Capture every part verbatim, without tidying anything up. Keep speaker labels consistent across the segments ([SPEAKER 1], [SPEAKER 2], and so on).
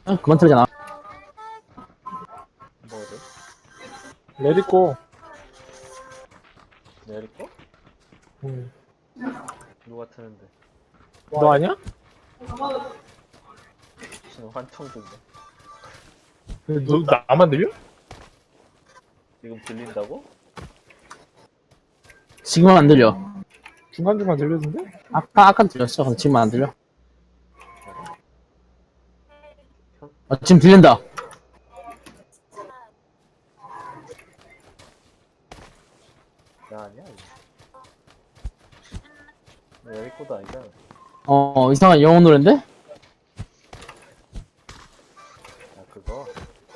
[SPEAKER 1] 어, 그만 틀잖아.
[SPEAKER 2] 뭐를?
[SPEAKER 3] 레디고.
[SPEAKER 2] 내릴 거?
[SPEAKER 3] 응.
[SPEAKER 2] 누가 트는데?
[SPEAKER 3] 너 아니야?
[SPEAKER 2] 지금 환청 듣네.
[SPEAKER 3] 너 나만 들려?
[SPEAKER 2] 지금 들린다고?
[SPEAKER 1] 지금은 안 들려.
[SPEAKER 3] 중간중간 들리던데?
[SPEAKER 1] 아까, 아까 들렸어. 근데 지금은 안 들려.
[SPEAKER 2] 현,
[SPEAKER 1] 어, 지금 들린다.
[SPEAKER 2] 나 아니야 이거. 내릴 거도 아니잖아.
[SPEAKER 1] 어, 이상한 영어 노랜데?
[SPEAKER 2] 야 그거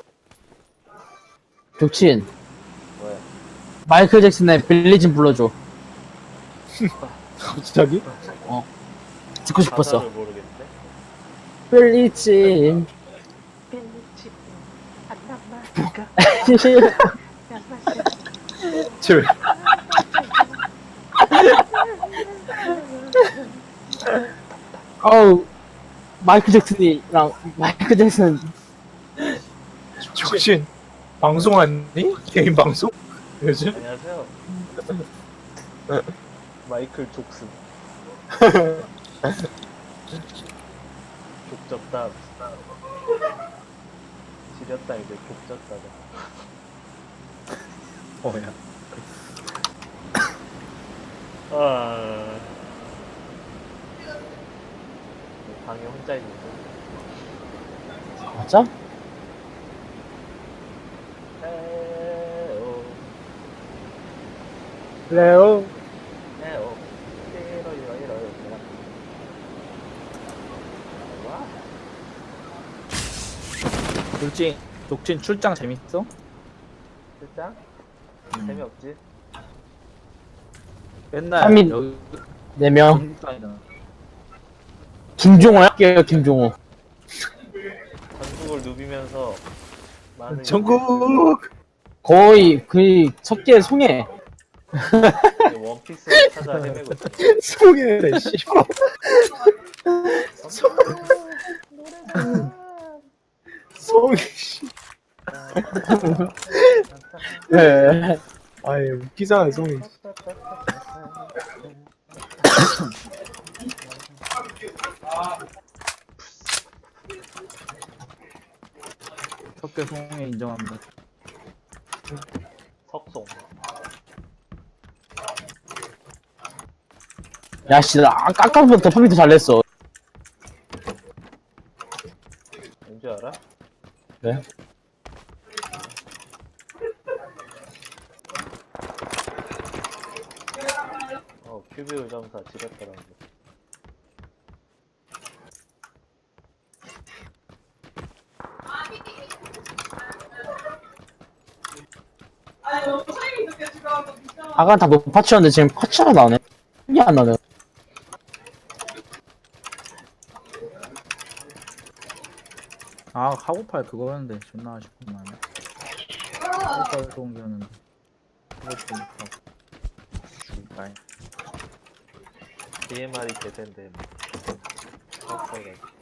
[SPEAKER 1] 족친.
[SPEAKER 2] 왜?
[SPEAKER 1] 마이클 잭슨의 빌리진 불러줘.
[SPEAKER 3] 갑자기?
[SPEAKER 1] 듣고 싶었어.
[SPEAKER 2] 가사를 모르겠는데?
[SPEAKER 1] 빌리진.
[SPEAKER 3] 쟤 왜?
[SPEAKER 1] 어우, 마이클 잭슨이랑, 마이클 잭슨.
[SPEAKER 3] 적신 방송하니? 개인 방송? 요즘?
[SPEAKER 2] 안녕하세요. 마이클 족슨. 족잡다. 지렸다 이제 족잡다가.
[SPEAKER 3] 뭐야?
[SPEAKER 2] 아. 방에 혼자 있는데.
[SPEAKER 1] 맞아?
[SPEAKER 2] 에오.
[SPEAKER 3] 레오.
[SPEAKER 2] 에오. 이러 이러 이러 이러. 와.
[SPEAKER 4] 돌진, 독진 출장 재밌어?
[SPEAKER 2] 실장?
[SPEAKER 4] 음.
[SPEAKER 2] 재미없지?
[SPEAKER 4] 맨날
[SPEAKER 1] 삼인-
[SPEAKER 4] 여기
[SPEAKER 1] 네 명.
[SPEAKER 4] 전국다니잖아.
[SPEAKER 1] 김종호야? 할게요, 김종호.
[SPEAKER 2] 전국을 누비면서 많은
[SPEAKER 3] 전국.
[SPEAKER 1] 거의, 거의, 석계 송해.
[SPEAKER 2] 인재들이 원피스를 찾아 헤매고 있어.
[SPEAKER 3] 송해래 씨발. 송해 씨.
[SPEAKER 1] 네.
[SPEAKER 3] 아예 웃기잖아 송해.
[SPEAKER 4] 석계 송해 인정합니다.
[SPEAKER 2] 석송.
[SPEAKER 1] 야, 씨, 나 아까, 아까부터 컴퓨터 잘 냈어.
[SPEAKER 2] 왠지 알아?
[SPEAKER 1] 네?
[SPEAKER 2] 어, 큐비 의점사 지렸더라고.
[SPEAKER 1] 아까 다 높아치웠는데 지금 파치가 나오네. 이게 안 나네.
[SPEAKER 4] 아, 카고팔 그거였는데 존나 아쉽구만. 카고팔 좋은 게였는데. 그것도 못하고. 죽을까요?
[SPEAKER 2] 디엠알이 개센데 뭐. 빡세가지고.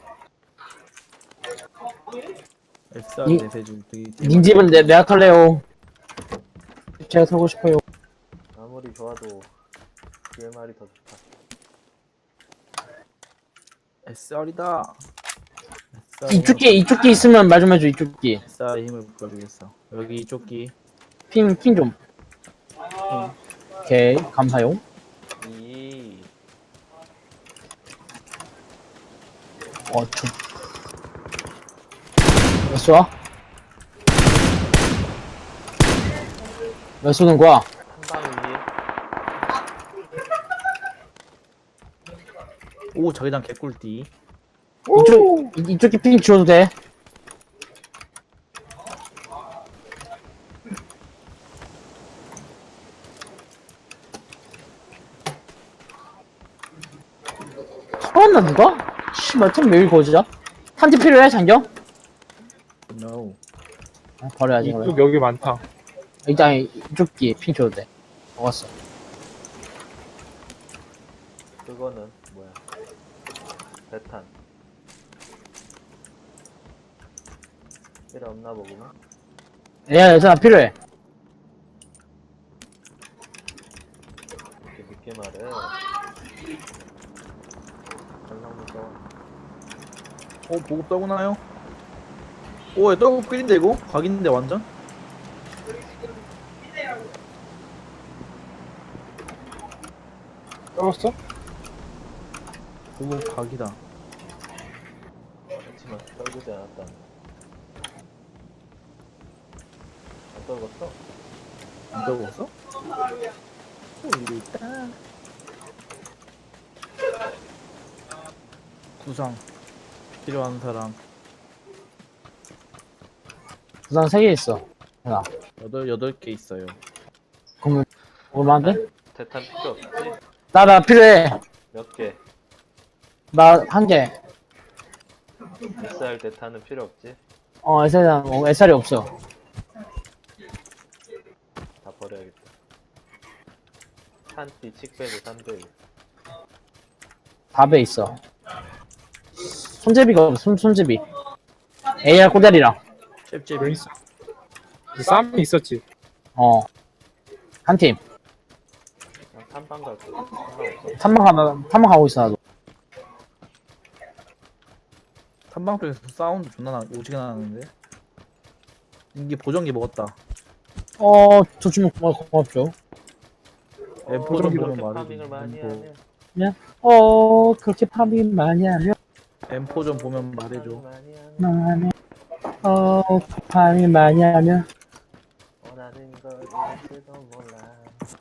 [SPEAKER 4] 에스알
[SPEAKER 1] 이-
[SPEAKER 4] 내세줄 되게
[SPEAKER 1] 닌 집은 내, 내가 털래요. 제가 털고 싶어요.
[SPEAKER 2] 아무리 좋아도 디엠알이 더 좋다.
[SPEAKER 4] 에스알이다.
[SPEAKER 1] 이쪽 끼, 이쪽 끼 있으면 말 좀 해줘, 이쪽 끼.
[SPEAKER 4] 에스알의 힘을 보여주겠어. 여기 이쪽 기.
[SPEAKER 1] 핑, 핑 좀. 오케이, 감사용.
[SPEAKER 2] 이
[SPEAKER 1] 어, 좀. 몇 쏘아? 몇 쏘는 거야?
[SPEAKER 2] 한방이지.
[SPEAKER 4] 오, 저기장 개꿀띠.
[SPEAKER 1] 이쪽, 이- 이쪽 끼핑 지워도 돼. 털었나, 누가? 씨발, 템 매일 거지야? 탄지 필요해, 장경?
[SPEAKER 4] No.
[SPEAKER 1] 아, 버려야지, 그러면.
[SPEAKER 3] 이쪽 여기 많다.
[SPEAKER 1] 일단, 이쪽 끼 핑 줘도 돼. 먹었어.
[SPEAKER 2] 그거는 뭐야? 배탄. 필요 없나 보구나.
[SPEAKER 1] 야, 여자 필요해.
[SPEAKER 2] 이렇게 늦게 말해. 설명부터.
[SPEAKER 4] 어 보급 떠구나요? 오, 떨고 끓인데 이거? 각인데 완전?
[SPEAKER 3] 떨었어?
[SPEAKER 4] 보급 각이다.
[SPEAKER 2] 그렇지만 떨구지 않았다. 안 떨궜어?
[SPEAKER 4] 안 떨궜어? 오, 이리 있다. 구상 필요한 사람.
[SPEAKER 1] 부상 세 개 있어. 야,
[SPEAKER 4] 여덟 여덟 개 있어요.
[SPEAKER 1] 그러면 얼마인데?
[SPEAKER 2] 대탄 필요 없지?
[SPEAKER 1] 나, 나 필요해.
[SPEAKER 2] 몇 개?
[SPEAKER 1] 나 한 개.
[SPEAKER 2] 에스알 대탄은 필요 없지?
[SPEAKER 1] 어, 에스알이, 어, 에스알이 없어.
[SPEAKER 2] 다 버려야겠다. 탄띠 칙배도 삼 대.
[SPEAKER 1] 사 배 있어. 손잡이가 없어, 손, 손잡이. 에이알 꼬다리랑.
[SPEAKER 4] 잽잽.
[SPEAKER 3] 왜 있어? 쌈이 있었지.
[SPEAKER 1] 어. 한 팀.
[SPEAKER 2] 그냥 탐방 갈게. 상관없어.
[SPEAKER 1] 탐방 가나, 탐방 가고 있어, 나도.
[SPEAKER 4] 탐방 쪽에서 사운드 존나 나, 오지게 나는데. 이게 보정기 먹었다.
[SPEAKER 1] 어, 저 주문 고마, 고맙죠.
[SPEAKER 4] 엠포 좀
[SPEAKER 2] 그렇게
[SPEAKER 4] 보면
[SPEAKER 2] 파밍을 많이
[SPEAKER 4] 말해줘.
[SPEAKER 2] 하면
[SPEAKER 1] 어, 그렇게 파밍 많이 하면,
[SPEAKER 4] 엠포 좀 보면 말해줘.
[SPEAKER 2] 많이 하면
[SPEAKER 1] 많이, 어, 파밍 많이 하면.
[SPEAKER 2] 원하는 걸 잃을지도 몰라.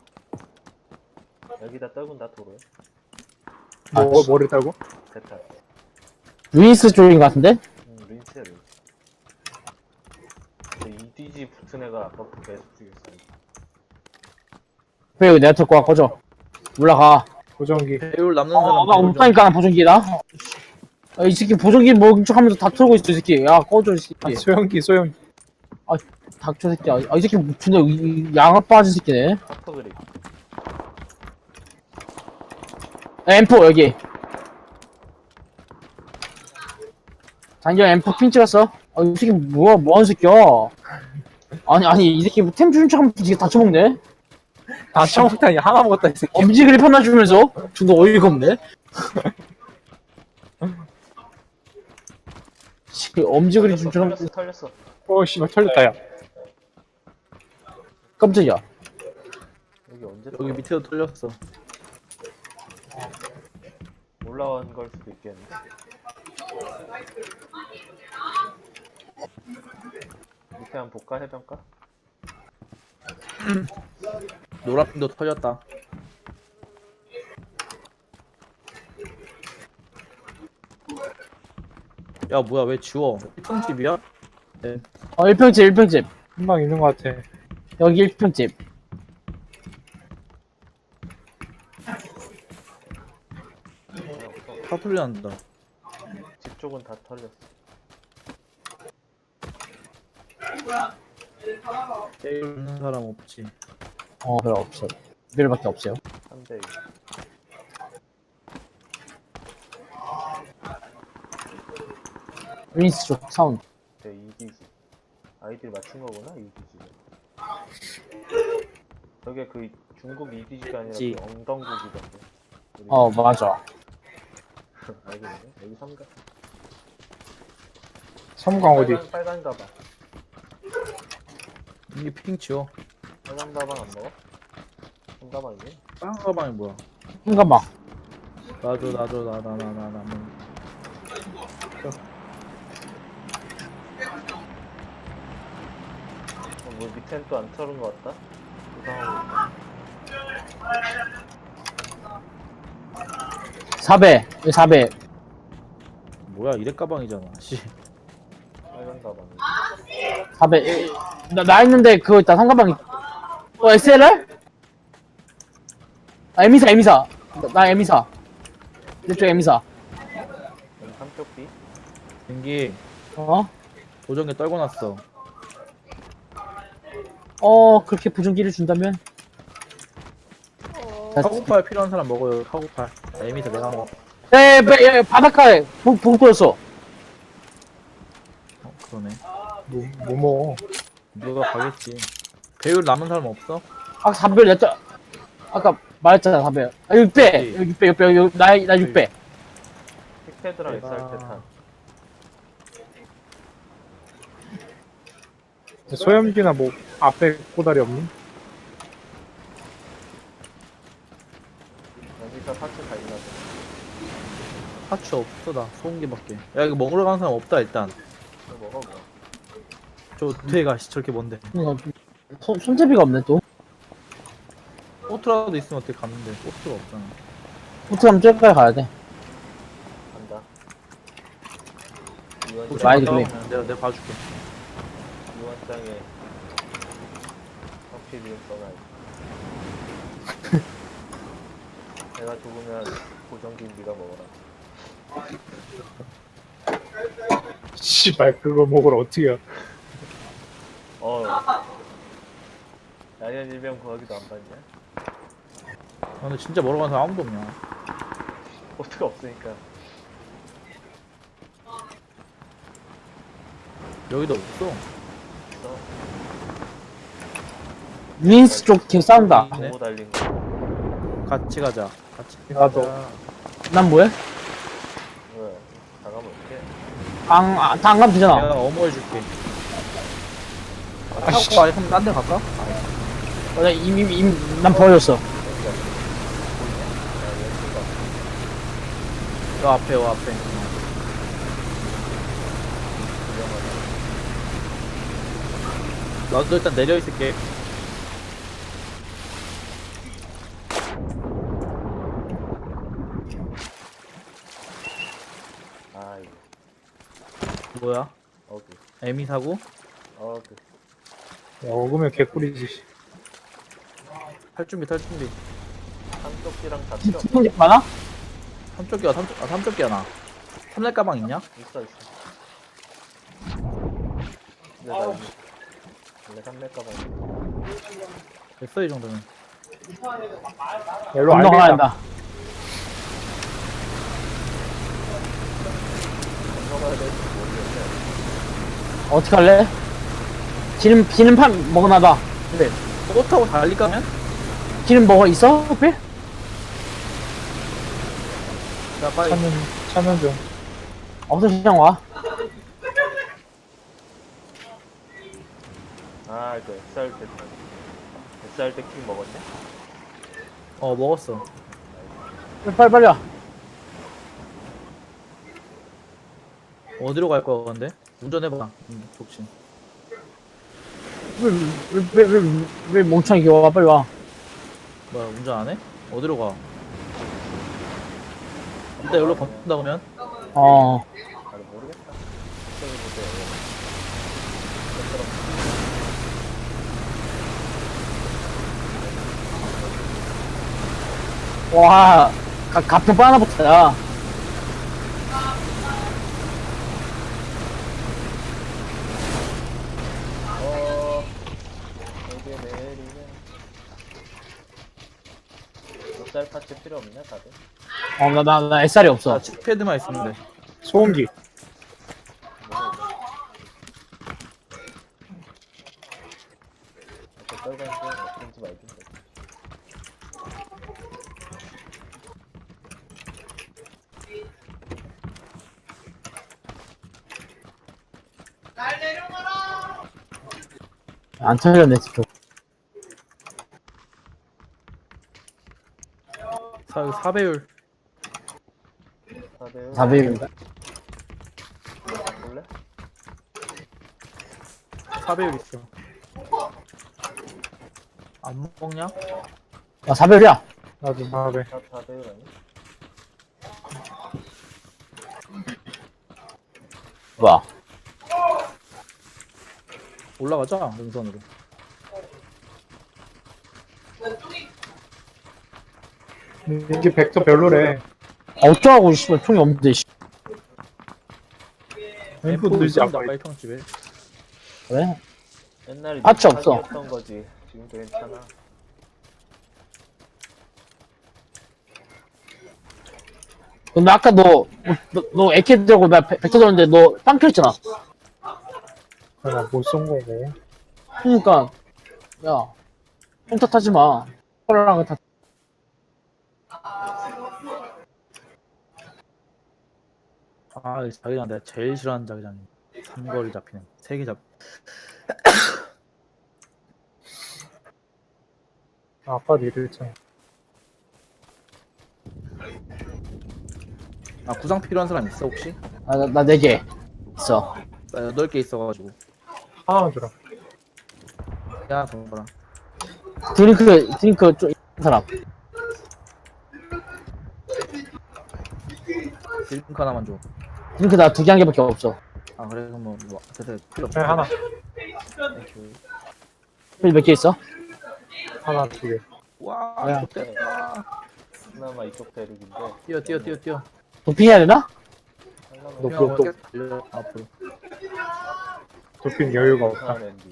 [SPEAKER 2] 여기다 떨군다 도로에.
[SPEAKER 3] 뭐, 뭘 했다고?
[SPEAKER 2] 대탄.
[SPEAKER 1] 루이스 쪽인 것 같은데?
[SPEAKER 2] 음, 린스야 린스. 저 이디지 붙은 애가 아까부터 계속 죽였어.
[SPEAKER 1] 그래, 이거 내가 들고 와, 꺼져. 올라가.
[SPEAKER 3] 보정기.
[SPEAKER 4] 배율 남는
[SPEAKER 1] 어,
[SPEAKER 4] 사람.
[SPEAKER 1] 나
[SPEAKER 4] 배율 좀-
[SPEAKER 1] 없다니까, 보정기다. 아, 이 새끼 보정기 먹은 척 하면서 다 털고 있어, 이 새끼. 야, 꺼져, 이 새끼.
[SPEAKER 3] 소형기, 소형기.
[SPEAKER 1] 닥쳐, 새끼야. 아, 이 새끼, 존나, 이- 이 양아 빠진 새끼네.
[SPEAKER 2] 하프 그립.
[SPEAKER 1] 엠포, 여기. 장기야, 엠포 핀 찍었어. 아, 이 새끼, 뭐야, 뭐하는 새끼야. 아니, 아니, 이 새끼, 템 주는 척 하면 이게 다 처먹네?
[SPEAKER 3] 다 처먹다니 하나 먹었다, 이 새끼.
[SPEAKER 1] 엄지 그립 하나 주면서? 존나 어이가 없네? 씨, 엄지 그립 준 척 하면
[SPEAKER 2] 털렸어 털렸어.
[SPEAKER 3] 어, 씨발, 털렸다, 야.
[SPEAKER 1] 깜짝이야.
[SPEAKER 2] 여기 언제
[SPEAKER 4] 여기 밑에도 뚫렸어.
[SPEAKER 2] 올라온 걸 수도 있겠네. 밑에 한번 볼까 해변가?
[SPEAKER 4] 노란핀도 털렸다. 야 뭐야 왜 지워? 일평집이야? 네.
[SPEAKER 1] 어, 일 평집, 일 평집.
[SPEAKER 3] 한방 있는 것 같아.
[SPEAKER 1] 여기 일 평집.
[SPEAKER 4] 다 털려난다.
[SPEAKER 2] 집 쪽은 다 털렸어.
[SPEAKER 4] 배율 있는 사람 없지.
[SPEAKER 1] 어, 별로 없어. 별밖에 없어요.
[SPEAKER 2] 삼 대 일.
[SPEAKER 1] 루이스 쪽 사운드.
[SPEAKER 2] 제 이디지. 아이디를 맞춘 거구나, 이디지가. 저게 그 중국 이디지가 아니라
[SPEAKER 4] 지.
[SPEAKER 2] 그 엉덩국이던데. 우리
[SPEAKER 1] 어, 맞아.
[SPEAKER 2] 알겠네. 여기 삼각.
[SPEAKER 3] 섬광 어디?
[SPEAKER 2] 빨간, 빨간 가방.
[SPEAKER 4] 이게 핑 지워.
[SPEAKER 2] 빨간 가방 안 먹어? 한 가방이네.
[SPEAKER 4] 빵 가방이 뭐야?
[SPEAKER 1] 잠깐만.
[SPEAKER 4] 나줘 나줘 나 나 나 나 나.
[SPEAKER 2] 어, 뭐 밑엔 또 안 털은 것 같다? 이상하고
[SPEAKER 1] 사 배. 여기 사 배.
[SPEAKER 4] 뭐야 이래 가방이잖아. 씨.
[SPEAKER 2] 빨간 가방.
[SPEAKER 1] 사 배. 나, 나 있는데 그거 있다. 상가방이. 어, 에스엘알? 아, 에미사, 에미사. 나, 나 에미사. 이쪽 에미사.
[SPEAKER 2] 여기 삼쪽비.
[SPEAKER 4] 댕기
[SPEAKER 1] 어?
[SPEAKER 4] 보정기 떨궈놨어.
[SPEAKER 1] 어, 그렇게 부정기를 준다면? 자,
[SPEAKER 4] 카고팔 필요한 사람 먹어요. 카고팔. 아, 에미사 내가 먹어.
[SPEAKER 1] 야, 야, 야, 야, 바닷가에 보, 보고 꺼졌어.
[SPEAKER 4] 어 그러네.
[SPEAKER 3] 뭐, 뭐 먹어.
[SPEAKER 4] 누가 가겠지. 배율 남은 사람 없어?
[SPEAKER 1] 아까 사 배 냈죠? 아까 말했잖아, 사 배. 아, 육 배!
[SPEAKER 4] 그치.
[SPEAKER 1] 육 배, 육 배, 육 배, 나, 나 육 배.
[SPEAKER 2] 픽패드랑
[SPEAKER 4] 대박.
[SPEAKER 2] 엑스알 테탄.
[SPEAKER 3] 소염기나 뭐 앞에 꼬다리 없니?
[SPEAKER 2] 여기서 파츠 다 있나 봐.
[SPEAKER 4] 파츠 없어, 나. 소음기밖에. 야, 이거 먹으러 가는 사람 없다, 일단.
[SPEAKER 2] 이거 먹어 뭐.
[SPEAKER 4] 저 뒤에 가시, 저렇게 뭔데.
[SPEAKER 1] 이거 손, 손잡이가 없네, 또.
[SPEAKER 4] 포트라도 있으면 어떻게 갔는데. 포트가 없잖아.
[SPEAKER 1] 호텔 가면 저기까지 가야 돼.
[SPEAKER 2] 간다.
[SPEAKER 4] 포트
[SPEAKER 1] 많이
[SPEAKER 2] 유원장,
[SPEAKER 4] 갔다 오면 내가, 내가 봐줄게.
[SPEAKER 2] 유원장에 커피를 써놔야지. 내가 죽으면 고정기인 네가 먹어라.
[SPEAKER 3] 씨발, 그거 먹으러 어떻게 해.
[SPEAKER 2] 어. 야년 일병 구하기도 안 봤냐?
[SPEAKER 4] 아, 근데 진짜 먹으러 가는 사람 아무도 없냐.
[SPEAKER 2] 포트가 없으니까.
[SPEAKER 4] 여기도 없어.
[SPEAKER 2] 있어.
[SPEAKER 1] 유인스 쪽 계속 싸운다.
[SPEAKER 4] 네.
[SPEAKER 2] 보고 달린 거.
[SPEAKER 4] 같이 가자. 같이
[SPEAKER 3] 나도.
[SPEAKER 4] 가자.
[SPEAKER 1] 난 뭐해?
[SPEAKER 2] 왜? 나가면 어떡해?
[SPEAKER 1] 안, 아, 다안 가면 되잖아.
[SPEAKER 4] 내가 어머해줄게. 아,
[SPEAKER 3] 아씨.
[SPEAKER 4] 타고 아예 그럼 딴데 갈까?
[SPEAKER 1] 어, 나 이미, 이미, 난 버렸어.
[SPEAKER 2] 여기가 보이냐? 야, 여기가
[SPEAKER 4] 요 앞에, 요 앞에.
[SPEAKER 2] 위험하다.
[SPEAKER 4] 나도 일단 내려 있을게.
[SPEAKER 2] 아, 이거.
[SPEAKER 4] 뭐야?
[SPEAKER 2] 어그.
[SPEAKER 4] 에미 사고?
[SPEAKER 2] 어그.
[SPEAKER 3] 야, 먹으면 개꿀이지.
[SPEAKER 4] 탈 준비, 탈 준비.
[SPEAKER 2] 한쪽지랑 다 필요 없어.
[SPEAKER 1] 스폰집 많아?
[SPEAKER 4] 삼쪽기야, 삼쪽, 아, 삼쪽기야, 나. 삼렙 가방 있냐?
[SPEAKER 2] 있어, 있어. 근데 나 이거 원래 삼렙 가방
[SPEAKER 4] 됐어, 이 정도면.
[SPEAKER 3] 일로
[SPEAKER 1] 건너가야
[SPEAKER 3] 알겠다.
[SPEAKER 1] 한다.
[SPEAKER 2] 건너가야 될지 모르겠네.
[SPEAKER 1] 어떻게 할래? 기름, 기름판 먹어놔봐. 그래.
[SPEAKER 4] 꽃 타고 달릴까면?
[SPEAKER 1] 기름 먹어 있어? 호필?
[SPEAKER 4] 자, 빨리.
[SPEAKER 3] 차는, 차는 좀.
[SPEAKER 1] 없어, 그냥 와.
[SPEAKER 2] 아, 이거 엑스알 때, 엑스알 때킹 먹었냐?
[SPEAKER 4] 어, 먹었어.
[SPEAKER 1] 빨리, 빨리, 빨리 와.
[SPEAKER 4] 어디로 갈 거야, 근데? 운전해봐. 음, 좋지.
[SPEAKER 1] 왜, 왜, 왜, 왜, 왜 멍청이 와, 빨리 와.
[SPEAKER 4] 뭐야, 운전 안 해? 어디로 가? 일단 여기로 건다 그러면?
[SPEAKER 1] 어.
[SPEAKER 2] 나도 모르겠다. 저기 보세요.
[SPEAKER 1] 와, 가, 가평 바나부터, 야.
[SPEAKER 2] 어, 여기에 내리면. 엑스알 파츠 필요 없냐, 다들?
[SPEAKER 1] 어, 나, 나, 나 에스알이 없어.
[SPEAKER 4] 아, 칩패드만 있으면 돼.
[SPEAKER 3] 소음기.
[SPEAKER 2] 저 빨간색 어떤지 말든지.
[SPEAKER 1] 안 털렸네, 쪽.
[SPEAKER 4] 사, 사배율.
[SPEAKER 2] 다들
[SPEAKER 1] 사배율인가?
[SPEAKER 2] 볼래?
[SPEAKER 4] 사배율 있어. 안 먹냐?
[SPEAKER 1] 야, 사배율이야.
[SPEAKER 3] 나도 사배.
[SPEAKER 2] 다 다들 아니?
[SPEAKER 1] 뭐야.
[SPEAKER 4] 올라가자, 능선으로.
[SPEAKER 3] 이게 벡터 별로래.
[SPEAKER 1] 어쩌라고, 씨발, 총이 없는데, 씨.
[SPEAKER 3] 엠포 늘지 않고.
[SPEAKER 4] 빨평집에.
[SPEAKER 1] 왜?
[SPEAKER 2] 옛날에
[SPEAKER 1] 파츠 없어.
[SPEAKER 2] 던 거지. 지금도 괜찮아.
[SPEAKER 1] 근데 아까 너, 너, 너 에케 들고 나 벡터 들었는데 너 빵 켰잖아.
[SPEAKER 3] 나못쏜 거고.
[SPEAKER 1] 그러니까 야 혼자 타지 마. 호랑이 타.
[SPEAKER 4] 아, 이 자기장 내가 제일 싫어하는 자기장이. 삼거리 잡히는. 세 개 잡.
[SPEAKER 3] 아, 아까도 이랬잖아.
[SPEAKER 4] 아, 구상 필요한 사람 있어 혹시?
[SPEAKER 1] 나나 네 개 있어.
[SPEAKER 4] 나 여덟 개 있어가지고.
[SPEAKER 3] 하나만 주라.
[SPEAKER 4] 야, 정보라.
[SPEAKER 1] 드링크 드링크 좀 있는 사람.
[SPEAKER 4] 딜링크 하나만 줘.
[SPEAKER 1] 드링크 나 두 개 한 개밖에 없어.
[SPEAKER 4] 아, 그래 그럼 뭐, 뭐 됐어 필요 없어.
[SPEAKER 3] 네, 하나.
[SPEAKER 1] 몇 개 있어?
[SPEAKER 3] 하나, 두 개.
[SPEAKER 4] 와,
[SPEAKER 1] 야.
[SPEAKER 4] 좋겠다.
[SPEAKER 2] 그나마 이쪽 대륙인데.
[SPEAKER 4] 뛰어 뛰어 뛰어 뛰어.
[SPEAKER 1] 도핑해야 되나?
[SPEAKER 2] 하려면
[SPEAKER 3] 너-
[SPEAKER 4] 형,
[SPEAKER 3] 너- 너-
[SPEAKER 4] 계속 달려, 앞으로.
[SPEAKER 3] 도핑 여유가 없다.
[SPEAKER 2] 이상한 엔딩.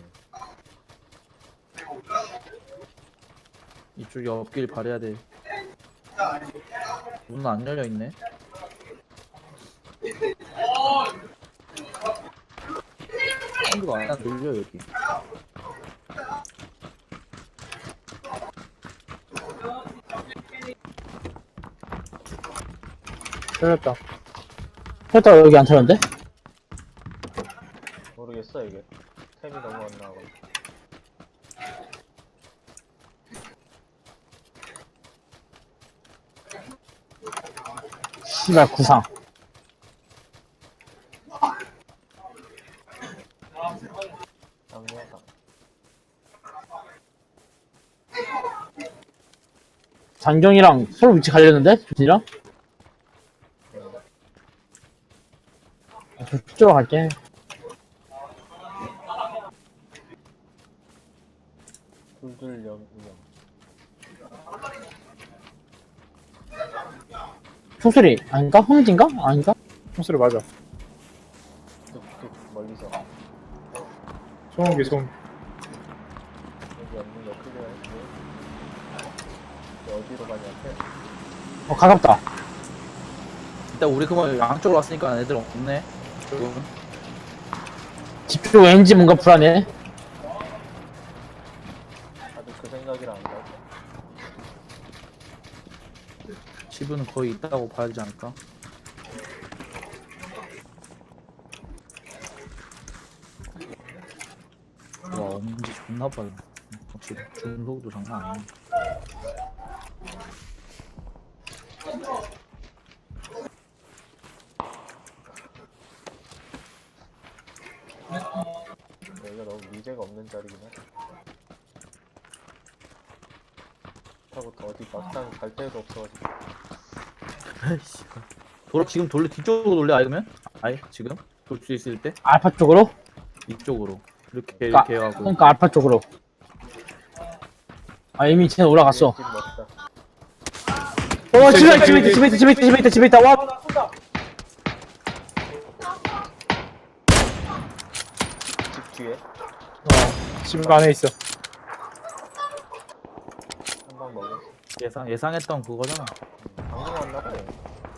[SPEAKER 4] 이쪽이 없길 바래야 돼. 문은 안 열려 있네. 사운드가 안 들려 여기.
[SPEAKER 3] 틀렸다.
[SPEAKER 1] 혈타 여기 안 타는데?
[SPEAKER 2] 모르겠어 이게. 템이 너무 안 나와.
[SPEAKER 1] 씨발 구상.
[SPEAKER 2] 장려상.
[SPEAKER 1] 장경이랑 서로 위치 갈렸는데? 조진이랑? 아, 저 쪽으로 갈게.
[SPEAKER 2] 둘둘 영 운영.
[SPEAKER 1] 총소리 아닌가? 흥진가? 아닌가?
[SPEAKER 3] 총소리 맞아.
[SPEAKER 2] 뚝뚝 멀리서.
[SPEAKER 3] 소음기, 소음.
[SPEAKER 2] 여기 없는 거 클리어했고. 이제 어디로 가냐?
[SPEAKER 1] 어 가깝다.
[SPEAKER 4] 일단 우리 그만 양쪽으로 왔으니까 애들 없네. 조금.
[SPEAKER 1] 집 쪽 왠지 뭔가 불안해.
[SPEAKER 2] 다들 그 생각이라 안 가고.
[SPEAKER 4] 집은 거의 있다고 봐야 되지 않을까? 와, 엄지 존나 빨라. 확실히 중속도 장난 아니야.
[SPEAKER 2] 여기가 너무 미제가 없는 자리긴 해. 그렇다고 또 어디 막상 갈 데도 없어가지고.
[SPEAKER 4] 아이씨. 돌아 지금 돌려 뒤쪽으로 돌려 아니면? 아예 지금 돌 수 있을 때
[SPEAKER 1] 알파 쪽으로?
[SPEAKER 4] 이쪽으로 이렇게
[SPEAKER 1] 그러니까,
[SPEAKER 4] 이렇게 해가고.
[SPEAKER 1] 그러니까 알파 쪽으로. 아 이미 쟤는 올라갔어.
[SPEAKER 2] 집 먹자.
[SPEAKER 1] 어 집에 있다 집에 있다 집에 있다 집에 있다 집에 있다 집에 있다 와.
[SPEAKER 2] 집 뒤에
[SPEAKER 3] 어, 집 안에 있어.
[SPEAKER 2] 한 방 먹었어.
[SPEAKER 4] 예상 예상했던 그거잖아.
[SPEAKER 2] 방금 왔나 보네.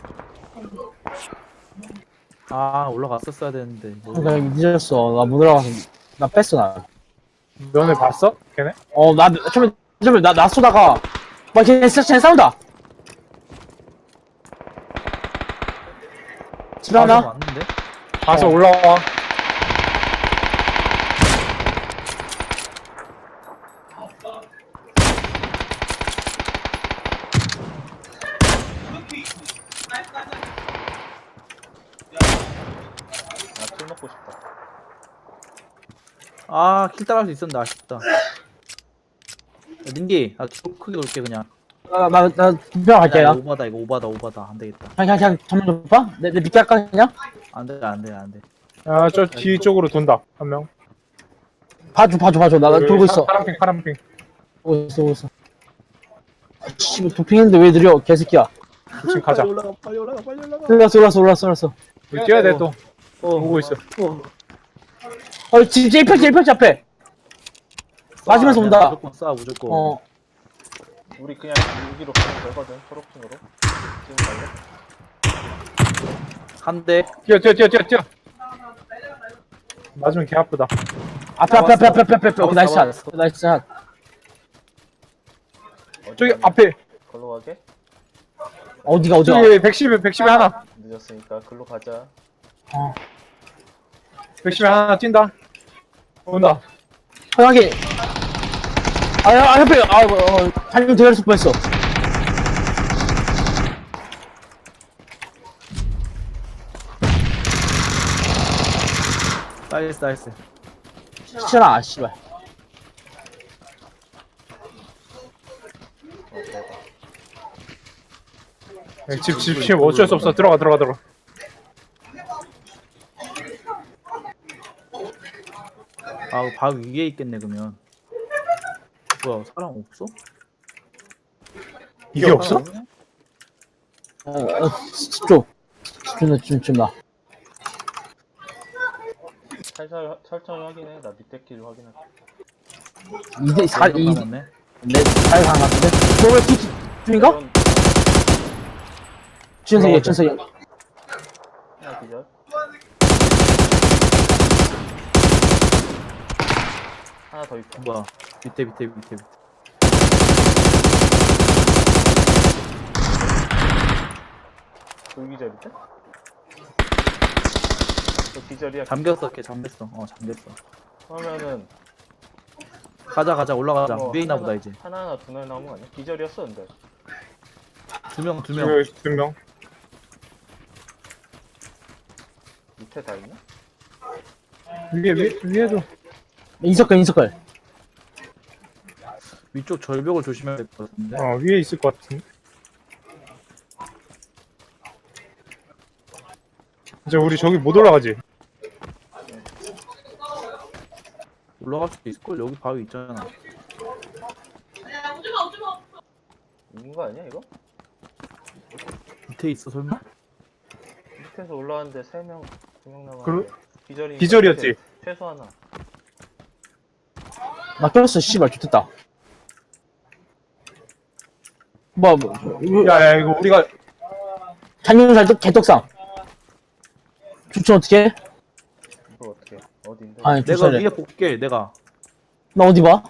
[SPEAKER 4] 아 올라갔었어야 되는데. 뭐.
[SPEAKER 1] 그러니까 여기 늦었어. 나 못 올라가서 나 뺐어 나.
[SPEAKER 3] 면을 봤어? 걔네?
[SPEAKER 1] 어나 처음에 처음에 나나 쏘다가 막 걔네 싸- 쟤네 싸운다. 집
[SPEAKER 4] 아,
[SPEAKER 1] 하나?
[SPEAKER 4] 왔는데?
[SPEAKER 3] 가서
[SPEAKER 1] 어.
[SPEAKER 3] 올라와.
[SPEAKER 2] 나킬 먹고 싶다.
[SPEAKER 4] 아, 킬 따라갈 수 있었는데 아쉽다. 야, 닌기, 나 뒤로 크게 돌게 그냥.
[SPEAKER 1] 나나나 분명 갈게
[SPEAKER 4] 야,
[SPEAKER 1] 나.
[SPEAKER 4] 이거 오바다, 이거 오바다, 오바다. 안 되겠다.
[SPEAKER 1] 그냥 그냥 그냥 전면 좀 봐. 내, 내 밑에 할까 그냥?
[SPEAKER 4] 안 돼, 안 돼, 안 돼.
[SPEAKER 3] 아, 저 뒤쪽으로 돈다. 한 명.
[SPEAKER 1] 봐줘 봐줘 봐줘. 나, 나 돌고 있어.
[SPEAKER 3] 파란핑, 파란핑.
[SPEAKER 1] 돌고 있어 돌고 있어. 아, 씨 도핑했는데 왜 느려 개새끼야.
[SPEAKER 3] 지금 가자.
[SPEAKER 4] 빨리 올라가, 빨리 올라가, 빨리 올라가.
[SPEAKER 1] 올랐어 올랐어 올랐어 올랐어.
[SPEAKER 3] 우리 뛰어야 돼, 또.
[SPEAKER 4] 어,
[SPEAKER 3] 보고 있어.
[SPEAKER 1] 어 지금 제일 펼치 제일 펼치 앞에. 맞으면서
[SPEAKER 4] 그냥
[SPEAKER 1] 온다.
[SPEAKER 4] 무조건 쏴, 무조건.
[SPEAKER 1] 어
[SPEAKER 2] 우리 그냥 여기로 가면 되거든. 초록핑으로. 지금 갈래?
[SPEAKER 4] 한 대.
[SPEAKER 3] 뛰어, 뛰어, 뛰어, 뛰어, 뛰어. 맞으면 개 아프다.
[SPEAKER 1] 앞에, 앞에, 앞에, 앞에, 앞에, 앞에. 오케이, 나이스 샷.
[SPEAKER 4] 잡았어.
[SPEAKER 1] 나이스 샷.
[SPEAKER 3] 저기
[SPEAKER 2] 어디
[SPEAKER 3] 앞에
[SPEAKER 2] 걸로 가게?
[SPEAKER 1] 어디가, 어디가?
[SPEAKER 3] 저기 백십에 백십에 하나.
[SPEAKER 2] 늦었으니까 글로 가자.
[SPEAKER 1] 어.
[SPEAKER 3] 백십에 하나 뛴다. 온다.
[SPEAKER 1] 편하게. 아, 야, 아, 옆에, 아, 어, 달님 대가리 쏠 뻔했어.
[SPEAKER 4] 나이스 나이스.
[SPEAKER 1] 시천아, 아, 씨발.
[SPEAKER 2] 어, 대박.
[SPEAKER 3] 집, 집, 집 어쩔 수 없어. 들어가, 들어가, 들어가.
[SPEAKER 4] 아 바로 위에 있겠네 그러면. 뭐야 사람 없어?
[SPEAKER 3] 이게 없어?
[SPEAKER 4] 없네?
[SPEAKER 1] 어, 어, 집중. 집중, 좀, 좀, 나.
[SPEAKER 2] 살살 천천히 확인해. 나 밑에 길 확인할게.
[SPEAKER 1] 이대, 사, 이,
[SPEAKER 4] 남았네.
[SPEAKER 1] 네, 잘 간 것 같은데? 너왜 피, 중인가?
[SPEAKER 2] 이런
[SPEAKER 1] 준석이야, 준석이.
[SPEAKER 2] 하나 기절. 하나 더 있다.
[SPEAKER 4] 뭐야 밑에 밑에 밑에 밑에.
[SPEAKER 2] 돌기절인데? 저 기절이야.
[SPEAKER 4] 잠겼어 걔 잠겼어. 어 잠겼어.
[SPEAKER 2] 그러면은
[SPEAKER 4] 가자 가자 올라가자.
[SPEAKER 2] 뭐
[SPEAKER 4] 위에 있나
[SPEAKER 2] 하나-
[SPEAKER 4] 보다 이제.
[SPEAKER 2] 하나하나 두뇌 나온 거 아니야? 기절이었어 근데.
[SPEAKER 4] 두 명 두 명.
[SPEAKER 3] 저기 두 명.
[SPEAKER 2] 밑에 다 있나?
[SPEAKER 3] 위에, 위에, 위에도.
[SPEAKER 1] 인서클, 인서클.
[SPEAKER 4] 위쪽 절벽을 조심해야 될 것 같은데.
[SPEAKER 3] 어, 위에 있을 것 같은데. 이제 우리 저기 못 올라가지.
[SPEAKER 4] 올라갈 수도 있을걸? 여기 바위 있잖아.
[SPEAKER 2] 있는 거 아니야 이거?
[SPEAKER 4] 밑에 있어 설마?
[SPEAKER 2] 밑에서 올라왔는데 세 명, 두 명 남았는데
[SPEAKER 3] 그러-
[SPEAKER 2] 기절이
[SPEAKER 3] 기절이었지?
[SPEAKER 2] 최소 하나.
[SPEAKER 1] 나 꼈어, 씨발, 좋겠다. 뭐, 뭐, 이거,
[SPEAKER 3] 야, 야, 이거 우리가
[SPEAKER 1] 장룡살 개떡상. 추천 어떻게?
[SPEAKER 2] 이거 어떻게? 어딘데?
[SPEAKER 1] 아니,
[SPEAKER 4] 내가
[SPEAKER 1] 추천해.
[SPEAKER 4] 위에 볼게 내가.
[SPEAKER 1] 나 어디 봐?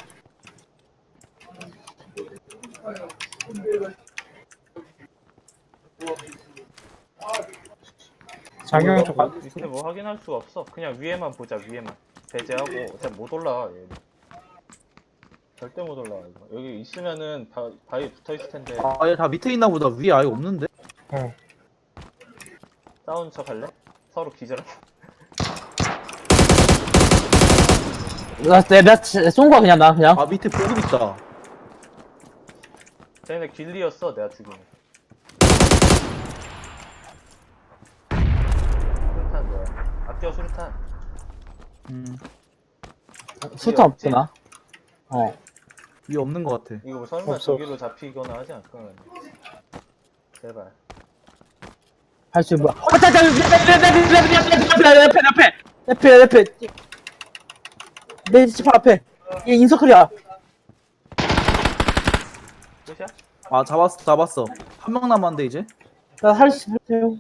[SPEAKER 3] 장영 쪽 가.
[SPEAKER 2] 밑에 뭐 확인할 수가 없어. 그냥 위에만 보자. 위에만 배제하고 어차피 못 올라와 얘. 절대 못 올라와 이거. 여기 있으면은 바, 바위 붙어 있을 텐데
[SPEAKER 4] 아얘 다 밑에 있나 보다. 위에 아예 없는데?
[SPEAKER 3] 어.
[SPEAKER 2] 싸우는 척 할래? 서로 기절하.
[SPEAKER 1] 나, 내가 쏜 거야, 그냥, 나, 그냥.
[SPEAKER 4] 아 밑에 보급 있다.
[SPEAKER 2] 쟤네 길리였어 내가 죽이는. 수류탄 뭐야? 아껴 수류탄.
[SPEAKER 4] 음
[SPEAKER 1] 술탄 없구나. 어.
[SPEAKER 4] 위에 없는 것 같아.
[SPEAKER 2] 이거 뭐 설마
[SPEAKER 3] 없어.
[SPEAKER 2] 저기로 잡히거나 하지 않을 거야. 제발.
[SPEAKER 1] 할 수, 뭐야. 아, 자, 자, 내, 내, 내, 내, 내, 내, 내, 내, 내, 옆에, 옆에, 옆에, 옆에. 내 집 앞에. 얘 인서클이야.
[SPEAKER 2] 끝이야?
[SPEAKER 4] 아 잡았어 잡았어. 한 명 남았는데 이제.
[SPEAKER 1] 나 할 수, 할게요.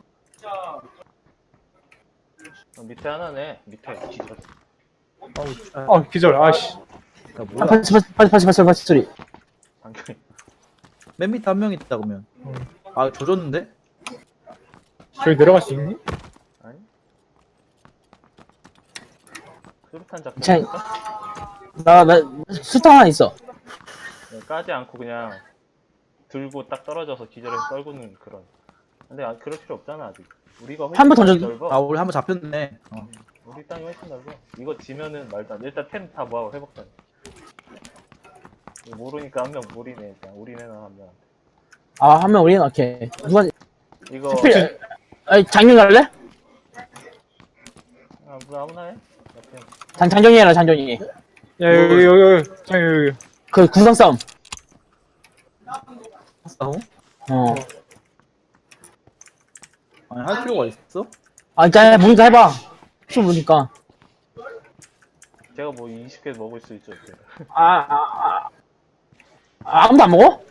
[SPEAKER 2] 어, 밑에 하나네. 밑에 기절.
[SPEAKER 4] 아우 아,
[SPEAKER 3] 어, 기절. 아씨.
[SPEAKER 4] 야,
[SPEAKER 1] 아,
[SPEAKER 4] 뭐야?
[SPEAKER 1] 파치, 파치, 파치, 파치, 파치, 파치 소리.
[SPEAKER 2] 당연히.
[SPEAKER 4] 맨 밑에 한 명 있다 그러면.
[SPEAKER 3] 음.
[SPEAKER 4] 아 조졌는데?
[SPEAKER 3] 저기 내려갈 수 있니?
[SPEAKER 2] 아니? 수류탄 잡고
[SPEAKER 1] 자,
[SPEAKER 2] 있을까?
[SPEAKER 1] 나, 나, 술탄 하나 있어.
[SPEAKER 2] 네, 까지 않고 그냥 들고 딱 떨어져서 기절해서 떨구는 그런. 근데 아, 그럴 필요 없잖아 아직. 우리가 훨씬
[SPEAKER 1] 한번
[SPEAKER 2] 땅이
[SPEAKER 1] 던져도-
[SPEAKER 2] 넓어.
[SPEAKER 4] 아 우리 한 번 잡혔네. 어.
[SPEAKER 2] 우리 땅이 훨씬 넓어. 이거 지면은 말도 안 돼. 일단 템 다 모아고 회복다. 모르니까 한 명 무리네 일단. 우리네는 한 명.
[SPEAKER 1] 아, 한 명 우리는, 오케이. 누가,
[SPEAKER 2] 이거
[SPEAKER 1] 특필, 아니, 장경 갈래?
[SPEAKER 2] 아, 뭐 아무나 해. 옆에.
[SPEAKER 1] 장, 장경이 해라, 장경이.
[SPEAKER 3] 야, 여기, 여기, 여기. 장 여기, 여기.
[SPEAKER 1] 그, 구성 싸움.
[SPEAKER 4] 싸워?
[SPEAKER 1] 어.
[SPEAKER 4] 아니 할 필요가 있어?
[SPEAKER 1] 아, 일단, 뭔가 해봐. 혹시 모르니까.
[SPEAKER 2] 제가 뭐 이십 개 먹을 수 있죠. 이렇게.
[SPEAKER 1] 아, 아, 아. 아, 아무도 안 먹어?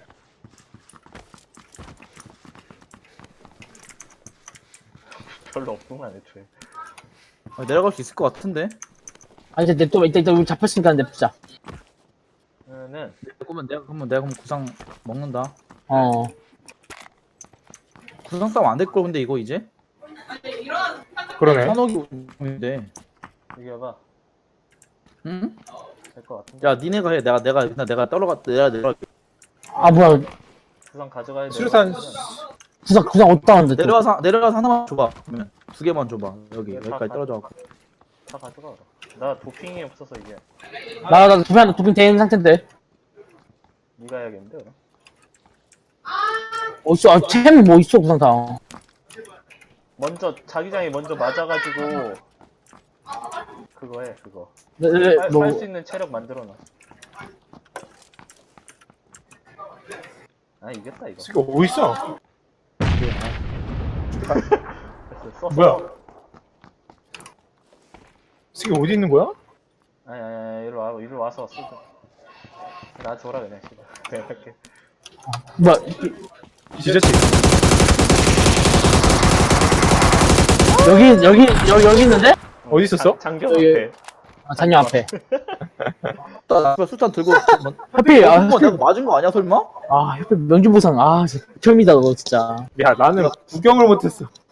[SPEAKER 2] 별로 없구만 애초에.
[SPEAKER 4] 아, 내려갈 수 있을 것 같은데?
[SPEAKER 1] 아니 이제 또 이따 이따 우리 잡혔으니까 냅두자.
[SPEAKER 2] 그러면은
[SPEAKER 4] 그러면 내가 그러면 내가 그럼 구상 먹는다.
[SPEAKER 1] 어.
[SPEAKER 4] 구상 싸움 안 될 거 근데 이거 이제
[SPEAKER 3] 그러네.
[SPEAKER 4] 산옥이 운인데.
[SPEAKER 2] 여기 와봐.
[SPEAKER 4] 응?
[SPEAKER 2] 될 것 같은데.
[SPEAKER 4] 야 니네가 해. 내가 내가 나 내가 떨어가 내가 내가
[SPEAKER 1] 아 뭐야
[SPEAKER 2] 구상 가져가야 돼.
[SPEAKER 3] 수류탄
[SPEAKER 1] 구상 구상 어디다 왔는데 또.
[SPEAKER 4] 내려와서 내려와서 하나만 줘봐. 그러면 두 개만 줘봐. 여기
[SPEAKER 2] 네, 다
[SPEAKER 4] 여기까지
[SPEAKER 2] 가-
[SPEAKER 4] 떨어져.
[SPEAKER 2] 다 가져가. 나 도핑이 없어서 이게.
[SPEAKER 1] 나나 도핑 하나 도핑 돼 있는 상태인데.
[SPEAKER 2] 네가 해야겠는데 그럼.
[SPEAKER 1] 어딨어? 아 템이 뭐 있어 구상 다.
[SPEAKER 2] 먼저 자기장이 먼저 맞아가지고 그거 해 그거.
[SPEAKER 1] 네, 네,
[SPEAKER 2] 살
[SPEAKER 1] 뭐
[SPEAKER 2] 수 있는 체력 만들어놔. 아 이겼다 이거.
[SPEAKER 3] 이거 어디 있어?
[SPEAKER 2] 됐어, 썼어.
[SPEAKER 3] 뭐야? 이게 어디 있는 거야?
[SPEAKER 2] 아니 아니 아니 이리로 와 이리로 와서 쓰자. 나 줘라 그냥 씨발. 내가 할게.
[SPEAKER 1] 뭐야?
[SPEAKER 3] 뒤졌지?
[SPEAKER 1] 여기 여기 여기 여기 있는데?
[SPEAKER 3] 어디 있었어?
[SPEAKER 2] 장, 장경
[SPEAKER 1] 여기.
[SPEAKER 2] 앞에.
[SPEAKER 1] 아 장녀 앞에.
[SPEAKER 4] 나 수탄 들고
[SPEAKER 1] 하필 아
[SPEAKER 4] 한번
[SPEAKER 1] 하필
[SPEAKER 4] 내가 맞은 거 아니야 설마?
[SPEAKER 1] 아 하필 명중보상 아 진짜 처음이다 너 진짜.
[SPEAKER 3] 야 나는 구경을 못했어.